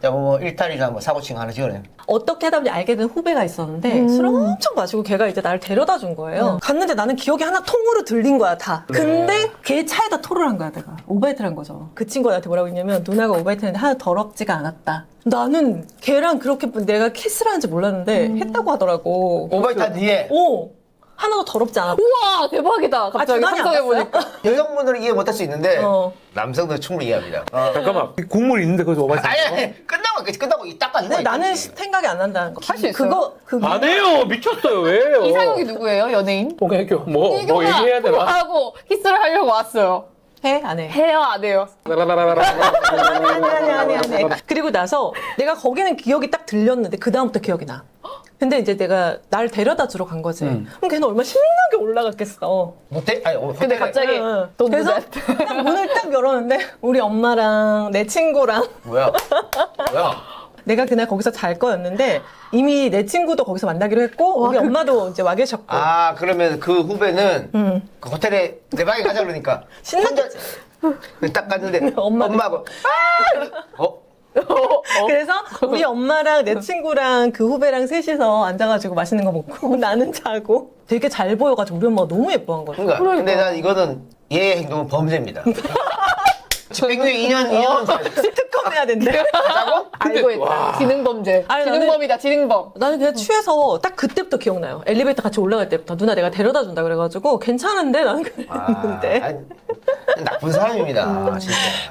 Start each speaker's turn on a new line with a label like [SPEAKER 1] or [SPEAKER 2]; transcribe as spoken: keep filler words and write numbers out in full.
[SPEAKER 1] 야, 뭐 일탈이나 뭐 사고칭 하나 지어내.
[SPEAKER 2] 어떻게 하다 보니 알게 된 후배가 있었는데
[SPEAKER 3] 음.
[SPEAKER 2] 술을 엄청 마시고 걔가 이제 나를 데려다 준 거예요. 갔는데 나는 기억이 하나 통으로 들린 거야 다. 근데 걔 차에다 토를 한 거야 내가. 오바이트를 한 거죠. 그 친구가 나한테 뭐라고 했냐면 누나가 오바이트 했는데 하나 더럽지가 않았다. 나는 걔랑 그렇게 내가 키스를 하는지 몰랐는데 했다고 하더라고.
[SPEAKER 1] 오바이트 한 뒤에
[SPEAKER 2] 오! 하나도 더럽지 않았다.
[SPEAKER 3] 우와 대박이다. 갑자기
[SPEAKER 2] 아,
[SPEAKER 3] 상상해 보니까.
[SPEAKER 1] 여성분들은 이해 못할 수 있는데
[SPEAKER 2] 어.
[SPEAKER 1] 남성들은 충분히 이해합니다. 어.
[SPEAKER 4] 잠깐만 국물 있는데 거기서 오바이트
[SPEAKER 1] 아니, 아니 끝나고 있겠지. 끝나고 이 닦아준 거야.
[SPEAKER 2] 근데 나는 생각이 안 난다는 거.
[SPEAKER 3] 할수 있어요?
[SPEAKER 2] 그거 그거
[SPEAKER 4] 안 해요 미쳤어요 왜요
[SPEAKER 3] 이상형이 누구예요 연예인?
[SPEAKER 4] 봉해교 뭐, 뭐
[SPEAKER 3] 이경아,
[SPEAKER 4] 얘기해야 되나
[SPEAKER 3] 하고 키스를 하려고 왔어요.
[SPEAKER 2] 해? 안 해?
[SPEAKER 3] 해요 안 해요?
[SPEAKER 2] 아니 아니 아니 아니 아니. 그리고 나서 내가 거기는 기억이 딱 들렸는데 그 다음부터 기억이 나. 근데 이제 내가 날 데려다 주러 간 거지.
[SPEAKER 4] 음.
[SPEAKER 2] 그럼 걔는 얼마나 신나게 올라갔겠어.
[SPEAKER 1] 호텔 아니 어,
[SPEAKER 3] 근데
[SPEAKER 1] 호텔에-
[SPEAKER 3] 갑자기
[SPEAKER 2] 응.
[SPEAKER 3] 돈
[SPEAKER 2] 그래서
[SPEAKER 3] 주자.
[SPEAKER 2] 딱 문을 딱 열었는데 우리 엄마랑 내 친구랑
[SPEAKER 1] 뭐야? 뭐야?
[SPEAKER 2] 내가 그날 거기서 잘 거였는데 이미 내 친구도 거기서 만나기로 했고
[SPEAKER 3] 와,
[SPEAKER 2] 우리
[SPEAKER 3] 그-
[SPEAKER 2] 엄마도 이제 와 계셨고.
[SPEAKER 1] 아 그러면 그 후배는
[SPEAKER 2] 응.
[SPEAKER 1] 그 호텔에 내 방에 가자 그러니까
[SPEAKER 2] 신났겠지.
[SPEAKER 1] 혼자 딱 갔는데
[SPEAKER 2] 엄마도-
[SPEAKER 1] 엄마하고 아! 어?
[SPEAKER 2] 그래서 우리 엄마랑 내 친구랑 그 후배랑 셋이서 앉아가지고 맛있는 거 먹고 나는 자고 되게 잘 보여가지고 우리 엄마가 너무 예뻐한 거야.
[SPEAKER 1] 그러니까 근데 난 이거는 얘의 행동은 범죄입니다. 집행유예 이 년 이 년
[SPEAKER 2] 특검 해야 된대.
[SPEAKER 1] 하자고?
[SPEAKER 3] 알고 있다. 지능범죄.
[SPEAKER 2] 아니, 나는-
[SPEAKER 3] 지능범이다 지능범.
[SPEAKER 2] 나는 그냥 취해서 딱 그때부터 기억나요. 엘리베이터 같이 올라갈 때부터 누나 내가 데려다 준다 그래가지고 괜찮은데 나는
[SPEAKER 1] 아,
[SPEAKER 2] 그랬는데
[SPEAKER 1] 아니, 나쁜 사람입니다 진짜.